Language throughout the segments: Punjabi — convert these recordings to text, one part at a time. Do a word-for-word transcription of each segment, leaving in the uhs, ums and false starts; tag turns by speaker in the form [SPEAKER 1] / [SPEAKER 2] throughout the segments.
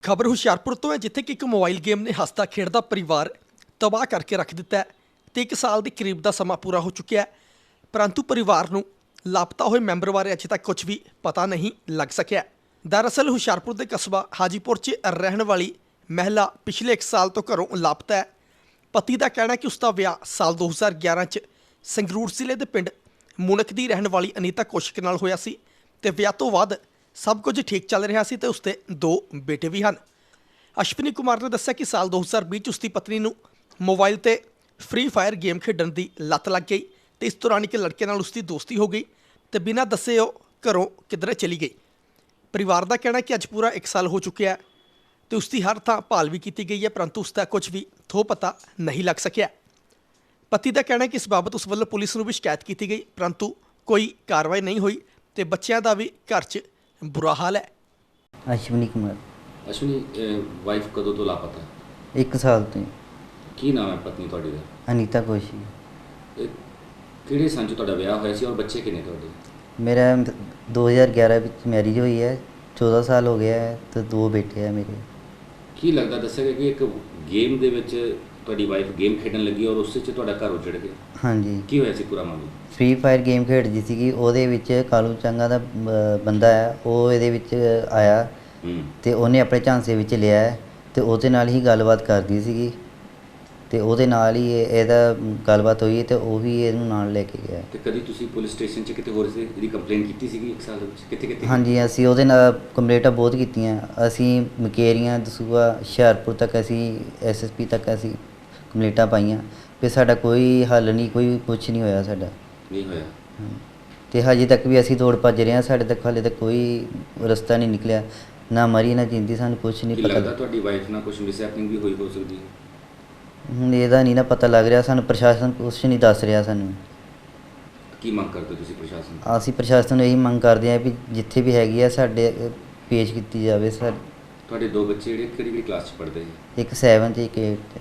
[SPEAKER 1] ਖਬਰ ਹੁਸ਼ਿਆਰਪੁਰ ਤੋਂ ਹੈ, ਜਿੱਥੇ ਕਿ ਇੱਕ ਮੋਬਾਈਲ ਗੇਮ ਨੇ ਹੱਸਦਾ ਖੇਡਦਾ ਪਰਿਵਾਰ ਤਬਾਹ ਕਰਕੇ ਰੱਖ ਦਿੱਤਾ ਹੈ ਤੇ ਇੱਕ ਸਾਲ ਦੇ ਕਰੀਬ ਦਾ ਸਮਾਂ ਪੂਰਾ ਹੋ ਚੁੱਕਿਆ ਹੈ, ਪਰੰਤੂ ਪਰਿਵਾਰ ਨੂੰ ਲਾਪਤਾ ਹੋਏ ਮੈਂਬਰ ਬਾਰੇ ਅਜੇ ਤੱਕ ਕੁਝ ਵੀ ਪਤਾ ਨਹੀਂ ਲੱਗ ਸਕਿਆ। ਦਰਅਸਲ ਹੁਸ਼ਿਆਰਪੁਰ ਦੇ ਕਸਬਾ ਹਾਜੀਪੁਰ 'ਚ ਰਹਿਣ ਵਾਲੀ ਮਹਿਲਾ ਪਿਛਲੇ ਇੱਕ ਸਾਲ ਤੋਂ ਘਰੋਂ ਲਾਪਤਾ ਹੈ। ਪਤੀ ਦਾ ਕਹਿਣਾ ਹੈ ਕਿ ਉਸ ਦਾ ਵਿਆਹ ਸਾਲ ਦੋ ਹਜ਼ਾਰ ਗਿਆਰਾਂ 'ਚ ਸੰਗਰੂਰ ਜ਼ਿਲ੍ਹੇ ਦੇ ਪਿੰਡ ਮੁਨਕ ਦੀ ਰਹਿਣ ਵਾਲੀ ਅਨੀਤਾ ਕੌਸ਼ਿਕ ਨਾਲ ਹੋਇਆ ਸੀ ਤੇ ਵਿਆਹ ਤੋਂ ਬਾਅਦ ਸਭ ਕੁਝ ਠੀਕ ਚੱਲ ਰਿਹਾ ਸੀ ਤੇ ਉਸਦੇ ਦੋ ਬੇਟੇ ਵੀ ਹਨ। ਅਸ਼ਵਨੀ ਕੁਮਾਰ ਨੇ ਦੱਸਿਆ ਕਿ ਸਾਲ ਦੋ ਹਜ਼ਾਰ ਵੀਹ 'ਚ ਉਸਦੀ ਪਤਨੀ ਨੂੰ ਮੋਬਾਈਲ ਤੇ ਫ੍ਰੀ ਫਾਇਰ ਗੇਮ ਖੇਡਣ ਦੀ ਲੱਤ ਲੱਗ ਗਈ ਤੇ ਇਸ ਦੌਰਾਨ ਇੱਕ ਲੜਕੇ ਨਾਲ ਉਸਦੀ ਦੋਸਤੀ ਹੋ ਗਈ ਤੇ ਬਿਨਾਂ ਦੱਸੇ ਉਹ ਘਰੋਂ ਕਿਧਰੇ ਚਲੀ ਗਈ। ਪਰਿਵਾਰ ਦਾ ਕਹਿਣਾ ਕਿ ਅੱਜ ਪੂਰਾ ਇੱਕ ਸਾਲ ਹੋ ਚੁੱਕਿਆ ਤੇ ਉਸਦੀ ਹਰ ਥਾਂ ਭਾਲ ਵੀ ਕੀਤੀ ਗਈ ਹੈ, ਪਰੰਤੂ ਉਸਦਾ ਕੁਝ ਵੀ ਥੋ ਪਤਾ ਨਹੀਂ ਲੱਗ ਸਕਿਆ। ਪਤੀ ਦਾ ਕਹਿਣਾ ਹੈ ਕਿ ਇਸ ਬਾਬਤ ਉਸ ਵੱਲੋਂ ਪੁਲਿਸ ਨੂੰ ਵੀ ਸ਼ਿਕਾਇਤ ਕੀਤੀ ਗਈ, ਪਰੰਤੂ ਕੋਈ ਕਾਰਵਾਈ ਨਹੀਂ ਹੋਈ ਤੇ ਬੱਚਿਆਂ ਦਾ ਵੀ ਘਰ 'ਚ ਬੁਰਾ ਹਾਲ ਹੈ।
[SPEAKER 2] ਅਸ਼ਵਨੀ ਕੁਮਾਰ।
[SPEAKER 3] ਅਸ਼ਵਨੀ ਵਾਈਫ ਕਦੋਂ ਤੋਂ ਲਾਪਤਾ?
[SPEAKER 2] ਇੱਕ ਸਾਲ ਤੋਂ।
[SPEAKER 3] ਕੀ ਨਾਮ ਹੈ ਪਤਨੀ ਤੁਹਾਡੀ ਦਾ?
[SPEAKER 2] ਅਨੀਤਾ ਕੌਸ਼ਿਕ।
[SPEAKER 3] ਇਹ ਕਿਹੜੇ ਸੰਨ 'ਚ ਤੁਹਾਡਾ ਵਿਆਹ ਹੋਇਆ ਸੀ ਔਰ ਬੱਚੇ ਕਿੰਨੇ ਤੁਹਾਡੇ?
[SPEAKER 2] ਮੇਰਾ ਦੋ ਹਜ਼ਾਰ ਗਿਆਰਾਂ ਵਿੱਚ ਮੈਰਿਜ ਹੋਈ ਹੈ, ਚੌਦਾਂ ਸਾਲ ਹੋ ਗਿਆ ਹੈ ਤੇ ਦੋ ਬੇਟੇ ਹੈ ਮੇਰੇ।
[SPEAKER 3] ਕੀ ਲੱਗਦਾ, ਦੱਸਿਆ ਗਿਆ ਕਿ ਇੱਕ ਗੇਮ ਦੇ ਵਿੱਚ ਤੁਹਾਡੀ ਵਾਈਫ ਗੇਮ ਖੇਡਣ ਲੱਗੀ ਔਰ ਉਸ 'ਚ ਤੁਹਾਡਾ ਘਰ ਉਜੜ ਗਿਆ?
[SPEAKER 2] ਹਾਂਜੀ।
[SPEAKER 3] ਕੀ ਹੋਇਆ ਸੀ ਪੂਰਾ ਮਾਮਲਾ?
[SPEAKER 2] ਫ੍ਰੀ ਫਾਇਰ ਗੇਮ ਖੇਡਦੀ ਸੀਗੀ, ਉਹਦੇ ਵਿੱਚ ਕਾਲੂ ਚੰਗਾ ਦਾ ਬ- ਬੰਦਾ ਹੈ, ਉਹ ਇਹਦੇ ਵਿੱਚ ਆਇਆ ਤੇ ਉਹਨੇ ਆਪਣੇ ਝਾਂਸੇ ਵਿੱਚ ਲਿਆ ਹੈ ਤੇ ਉਹਦੇ ਨਾਲ ਹੀ ਗੱਲਬਾਤ ਕਰਦੀ ਸੀਗੀ ਤੇ ਉਹਦੇ ਨਾਲ ਹੀ ਇਹ- ਇਹਦਾ ਗੱਲਬਾਤ ਹੋਈ ਤੇ ਉਹ ਵੀ ਇਹਨੂੰ ਨਾਲ ਲੈ ਕੇ ਗਿਆ।
[SPEAKER 3] ਤੇ ਕਦੀ ਤੁਸੀਂ ਪੁਲਿਸ ਸਟੇਸ਼ਨ 'ਚ ਕਿਤੇ ਹੋਰ ਸੀ ਇਹਦੀ ਕੰਪਲੇਂਟ ਕੀਤੀ ਸੀਗੀ ਇੱਕ ਸਾਲ ਦੇ ਵਿੱਚ? ਕਿੱਥੇ ਕਿੱਥੇ?
[SPEAKER 2] ਹਾਂਜੀ, ਅਸੀਂ ਉਹਦੇ ਨਾਲ ਕੰਪਲੇਂਟਾਂ ਬਹੁਤ ਕੀਤੀਆਂ। ਅਸੀਂ ਮਕੇਰੀਆਂ, ਦਸੂਆ, ਹੁਸ਼ਿਆਰਪੁਰ ਤੱਕ ਅਸੀਂ ਐਸ ਐਸ ਪੀ ਤੱਕ ਅਸੀਂ ਕੰਪਲੇਂਟਾਂ ਪਾਈਆਂ ਤੇ ਸਾਡਾ ਕੋਈ ਹੱਲ ਨਹੀਂ, ਕੋਈ ਕੁਛ ਨਹੀਂ ਹੋਇਆ ਸਾਡਾ।
[SPEAKER 3] ਨਹੀਂ ਹੋਇਆ?
[SPEAKER 2] ਤੇ ਹਜੇ ਤੱਕ ਵੀ ਅਸੀਂ ਦੌੜ ਭੱਜ ਰਹੇ ਹਾਂ, ਸਾਡੇ ਤੱਕ ਹਾਲੇ ਤੱਕ ਕੋਈ ਰਸਤਾ ਨਹੀਂ ਨਿਕਲਿਆ, ਨਾ ਮਰੀ ਨਾ ਜਿੰਦੀ, ਸਾਨੂੰ ਕੁਛ ਨਹੀਂ
[SPEAKER 3] ਕੀ
[SPEAKER 2] ਪਤਾ।
[SPEAKER 3] ਲੱਗਦਾ ਤੁਹਾਡੀ ਵਾਈਫ ਨਾਲ ਕੁਝ ਮਿਸਹੈਪਨਿੰਗ ਵੀ ਹੋਈ ਹੋ ਸਕਦੀ ਹੈ?
[SPEAKER 2] ਹੁਣ ਇਹਦਾ ਨਹੀਂ ਨਾ ਪਤਾ ਲੱਗ ਰਿਹਾ ਸਾਨੂੰ, ਪ੍ਰਸ਼ਾਸਨ ਕੁਛ ਨਹੀਂ ਦੱਸ ਰਿਹਾ ਸਾਨੂੰ।
[SPEAKER 3] ਕੀ ਮੰਗ ਕਰਦੇ ਤੁਸੀਂ ਪ੍ਰਸ਼ਾਸਨ ਤੋਂ?
[SPEAKER 2] ਅਸੀਂ ਪ੍ਰਸ਼ਾਸਨ ਨੂੰ ਇਹੀ ਮੰਗ ਕਰਦੇ ਹਾਂ ਵੀ ਜਿੱਥੇ ਵੀ ਹੈਗੀ ਆ ਸਾਡੇ ਪੇਸ਼ ਕੀਤੀ ਜਾਵੇ। ਸਰ,
[SPEAKER 3] ਤੁਹਾਡੇ ਦੋ ਬੱਚੇ ਜਿਹੜੇ ਕਿਹੜੀ ਕਿਹੜੀ ਕਲਾਸ 'ਚ ਪੜ੍ਹਦੇ ਹੈ?
[SPEAKER 2] ਇੱਕ ਸੈਵਨ ਤੇ ਇੱਕ ਏਟ।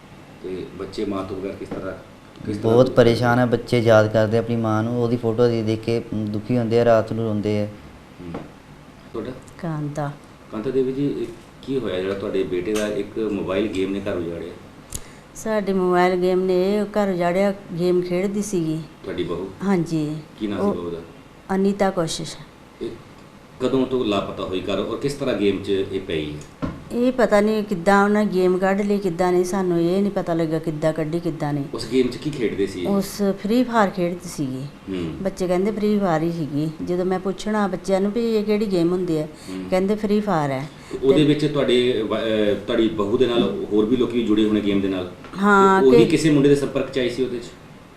[SPEAKER 3] ਤੇ ਬੱਚੇ ਮਾਂ ਤੋਂ ਬਗੈਰ ਕਿਸ ਤਰ੍ਹਾਂ ਕਿਸ ਤਰ੍ਹਾਂ
[SPEAKER 2] ਬਹੁਤ ਪਰੇਸ਼ਾਨ ਹੈ ਬੱਚੇ, ਯਾਦ ਕਰਦੇ ਆਪਣੀ ਮਾਂ ਨੂੰ, ਉਹਦੀ ਫੋਟੋ ਦੇਖ ਦੇਖ ਕੇ ਦੁਖੀ ਹੁੰਦੇ ਆ, ਰਾਤ ਨੂੰ ਰੋਂਦੇ ਆ।
[SPEAKER 3] ਹੂੰ। ਤੁਹਾਡਾ?
[SPEAKER 4] ਕਾਂਤਾ।
[SPEAKER 3] ਕਾਂਤਾ ਦੇਵੀ ਜੀ, ਇਹ ਕੀ ਹੋਇਆ ਜਿਹੜਾ ਤੁਹਾਡੇ ਬੇਟੇ ਦਾ ਇੱਕ ਮੋਬਾਈਲ ਗੇਮ ਨੇ ਘਰ ਉਜਾੜਿਆ?
[SPEAKER 4] ਸਾਡੇ ਮੋਬਾਈਲ ਗੇਮ ਨੇ ਇਹ ਘਰ ਉਜਾੜਿਆ। ਗੇਮ ਖੇਡਦੀ ਸੀਗੀ
[SPEAKER 3] ਤੁਹਾਡੀ ਬਹੂ?
[SPEAKER 4] ਹਾਂਜੀ।
[SPEAKER 3] ਕੀ ਨਾਮ
[SPEAKER 4] ਉਹ
[SPEAKER 3] ਸੀ ਬਹੂ ਦਾ?
[SPEAKER 4] ਅਨੀਤਾ ਕੋਸ਼ਿਸ਼।
[SPEAKER 3] ਇਹ ਕਦੋਂ ਤੋਂ ਲਾਪਤਾ ਹੋਈ ਘਰ ਔਰ ਕਿਸ ਤਰ੍ਹਾਂ ਗੇਮ 'ਚ ਇਹ ਪਈ ਹੈ?
[SPEAKER 4] ਇਹ ਪਤਾ ਨਹੀਂ ਕਿੱਦਾਂ ਉਹਨਾਂ ਗੇਮ ਕੱਢ ਲਈ, ਕਿੱਦਾਂ ਨਹੀਂ, ਸਾਨੂੰ ਇਹ ਨਹੀਂ ਪਤਾ ਲੱਗਾ ਕਿੱਦਾਂ ਕੱਢੀ ਕਿੱਦਾਂ ਨਹੀਂ।
[SPEAKER 3] ਉਸ ਗੇਮ 'ਚ ਕੀ ਖੇਡਦੇ ਸੀ?
[SPEAKER 4] ਉਸ ਫ੍ਰੀ ਫਾਇਰ ਖੇਡਦੀ ਸੀਗੀ।
[SPEAKER 3] ਹੂੰ।
[SPEAKER 4] ਬੱਚੇ ਕਹਿੰਦੇ ਫ੍ਰੀ ਫਾਇਰ ਹੀ ਸੀਗੀ। ਜਦੋਂ ਮੈਂ ਪੁੱਛਣਾ ਬੱਚਿਆਂ ਨੂੰ ਵੀ ਇਹ ਕਿਹੜੀ ਗੇਮ ਹੁੰਦੀ ਹੈ,
[SPEAKER 3] ਹੂੰ।
[SPEAKER 4] ਕਹਿੰਦੇ ਫ੍ਰੀ ਫਾਇਰ ਹੈ।
[SPEAKER 3] ਉਹਦੇ ਵਿੱਚ ਤੁਹਾਡੇ ਵ- ਅਹ ਤੁਹਾਡੀ ਬਹੂ ਦੇ ਨਾਲ ਹੋਰ ਵੀ ਲੋਕੀ ਜੁੜੇ ਹੋਣੇ ਗੇਮ ਦੇ ਨਾਲ?
[SPEAKER 4] ਹਾਂ,
[SPEAKER 3] ਉਹ ਵੀ
[SPEAKER 4] ਕਿ-
[SPEAKER 3] ਕਿਸੇ ਮੁੰਡੇ ਦੇ ਸੰਪਰਕ 'ਚ ਆਈ ਸੀ ਉਹਦੇ 'ਚ?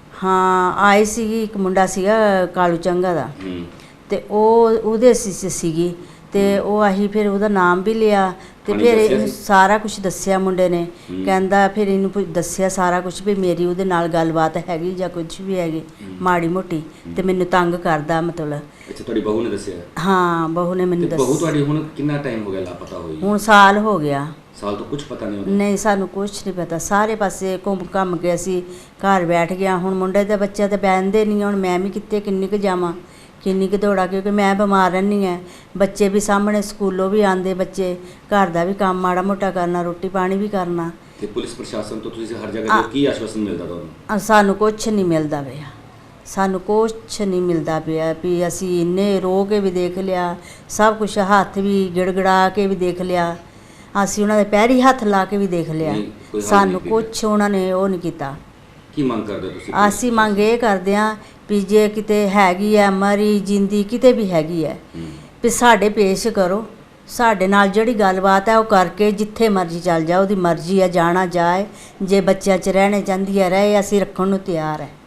[SPEAKER 4] ਹਾਂ, ਆਈ ਸੀਗੀ, ਇੱਕ ਮੁੰਡਾ ਸੀਗਾ ਕਾਲੂ ਚੰਗਾ ਦਾ
[SPEAKER 3] ਹੂੰ।
[SPEAKER 4] ਤੇ ਉਹ ਉਹਦੇ ਸੀ ਸੀਗੀ ਤੇ ਉਹ ਆਹੀ ਫਿਰ ਉਹਦਾ ਨਾਮ ਵੀ ਲਿਆ ਤੇ
[SPEAKER 3] ਉਹਨੇ
[SPEAKER 4] ਫਿਰ
[SPEAKER 3] ਦੱਸਿਆ
[SPEAKER 4] ਇਹਨੂੰ
[SPEAKER 3] ਸੀ?
[SPEAKER 4] ਸਾਰਾ ਕੁਝ ਦੱਸਿਆ ਮੁੰਡੇ ਨੇ।
[SPEAKER 3] ਹੂੰ।
[SPEAKER 4] ਕਹਿੰਦਾ ਫਿਰ ਇਹਨੂੰ ਪੁ- ਦੱਸਿਆ ਸਾਰਾ ਕੁਝ ਵੀ ਮੇਰੀ ਉਹਦੇ ਨਾਲ ਗੱਲਬਾਤ ਹੈਗੀ ਜਾਂ ਕੁਝ ਵੀ ਹੈਗੀ
[SPEAKER 3] ਹੂੰ।
[SPEAKER 4] ਮਾੜੀ ਮੋਟੀ ਤੇ ਮੈਨੂੰ ਤੰਗ ਕਰਦਾ ਮਤਲਬ।
[SPEAKER 3] ਅੱਛਾ, ਤੁਹਾਡੀ ਬਹੂ ਨੇ ਦੱਸਿਆ?
[SPEAKER 4] ਹਾਂ, ਬਹੂ ਨੇ
[SPEAKER 3] ਤੇ
[SPEAKER 4] ਮੈਨੂੰ
[SPEAKER 3] ਬਹੂ
[SPEAKER 4] ਦੱਸਿਆ।
[SPEAKER 3] ਤੁਹਾਡੀ ਹੁਣ ਕਿੰਨਾ ਟਾਈਮ ਹੋ ਗਿਆ ਲਾਪਤਾ ਹੋਈ?
[SPEAKER 4] ਹੁਣ ਸਾਲ ਹੋ ਗਿਆ।
[SPEAKER 3] ਸਾਲ ਤੋਂ ਕੁਝ ਪਤਾ ਨਹੀਂ ਹੋਣਾ?
[SPEAKER 4] ਨਹੀਂ, ਸਾਨੂੰ ਕੁਝ ਨਹੀਂ ਪਤਾ। ਸਾਰੇ ਪਾਸੇ ਘੁੰਮ ਘੰਮ ਕੇ ਅਸੀਂ ਘਰ ਬੈਠ ਗਿਆ। ਹੁਣ ਮੁੰਡੇ ਦੇ ਬੱਚੇ ਤਾਂ ਬਹਿੰਦੇ ਨਹੀਂ, ਹੁਣ ਮੈਂ ਵੀ ਕਿੱਥੇ ਕਿੰਨੀ ਕੁ ਜਾਵਾਂ, ਕਿੰਨੀ ਕੁ ਦੌੜਾਂ, ਕਿਉਂਕਿ ਮੈਂ ਬਿਮਾਰ ਰਹਿੰਦੀ ਹਾਂ। ਬੱਚੇ ਵੀ ਸਾਹਮਣੇ ਸਕੂਲੋਂ ਵੀ ਆਉਂਦੇ ਬੱਚੇ, ਘਰ ਦਾ ਵੀ ਕੰਮ ਮਾੜਾ ਮੋਟਾ ਕਰਨਾ, ਰੋਟੀ ਪਾਣੀ ਵੀ ਕਰਨਾ।
[SPEAKER 3] ਤੇ ਪੁਲਿਸ ਪ੍ਰਸ਼ਾਸਨ ਤੋਂ ਤੁਸੀਂ ਹਰ ਜਗ੍ਹਾ ਤੇ ਕੀ ਆਸ਼ਵਾਸਨ ਮਿਲਦਾ ਤੁਹਾਨੂੰ?
[SPEAKER 4] ਅ, ਸਾਨੂੰ ਕੁਛ ਨਹੀਂ ਮਿਲਦਾ ਪਿਆ, ਸਾਨੂੰ ਕੁਛ ਨਹੀਂ ਮਿਲਦਾ ਪਿਆ ਵੀ ਅਸੀਂ ਇੰਨੇ ਰੋ ਕੇ ਵੀ ਦੇਖ ਲਿਆ, ਸਭ ਕੁਝ ਹੱਥ ਵੀ ਗਿੜਗੜਾ ਕੇ ਵੀ ਦੇਖ ਲਿਆ, ਅਸੀਂ ਉਹਨਾਂ ਦੇ ਪੈਰੀ ਹੱਥ ਲਾ ਕੇ ਵੀ ਦੇਖ ਲਿਆ,
[SPEAKER 3] ਨਹੀਂ, ਕੋਈ ਹੱਲ
[SPEAKER 4] ਸਾਨੂੰ
[SPEAKER 3] ਨਹੀਂ ਕੀਤਾ?
[SPEAKER 4] ਕੁਛ ਉਹਨਾਂ ਨੇ ਉਹ ਨਹੀਂ ਕੀਤਾ।
[SPEAKER 3] ਕੀ ਮੰਗ ਕਰਦੇ ਹੋ ਤੁਸੀਂ?
[SPEAKER 4] ਅਸੀਂ ਮੰਗ ਇਹ ਕਰਦੇ ਹਾਂ ਵੀ ਜੇ ਕਿਤੇ ਹੈਗੀ ਹੈ ਮਰੀ ਜਿੰਦੀ ਕਿਤੇ ਵੀ ਹੈਗੀ ਹੈ
[SPEAKER 3] ਹੂੰ।
[SPEAKER 4] ਵੀ ਸਾਡੇ ਪੇਸ਼ ਕਰੋ, ਸਾਡੇ ਨਾਲ ਜਿਹੜੀ ਗੱਲਬਾਤ ਹੈ ਉਹ ਕਰਕੇ ਜਿੱਥੇ ਮਰਜ਼ੀ ਚੱਲ ਜਾ, ਉਹਦੀ ਮਰਜ਼ੀ ਹੈ, ਜਾਣਾ ਜਾਏ, ਜੇ ਬੱਚਿਆਂ 'ਚ ਰਹਿਣੇ ਚਾਹੁੰਦੀ ਹੈ ਰਹੇ, ਅਸੀਂ ਰੱਖਣ ਨੂੰ ਤਿਆਰ ਹੈ।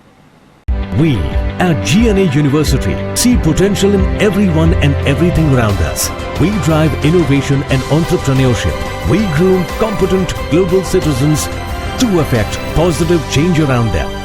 [SPEAKER 5] We at G N A University see potential in everyone and everything around us. We drive innovation and entrepreneurship. We groom competent global citizens to affect positive change around them.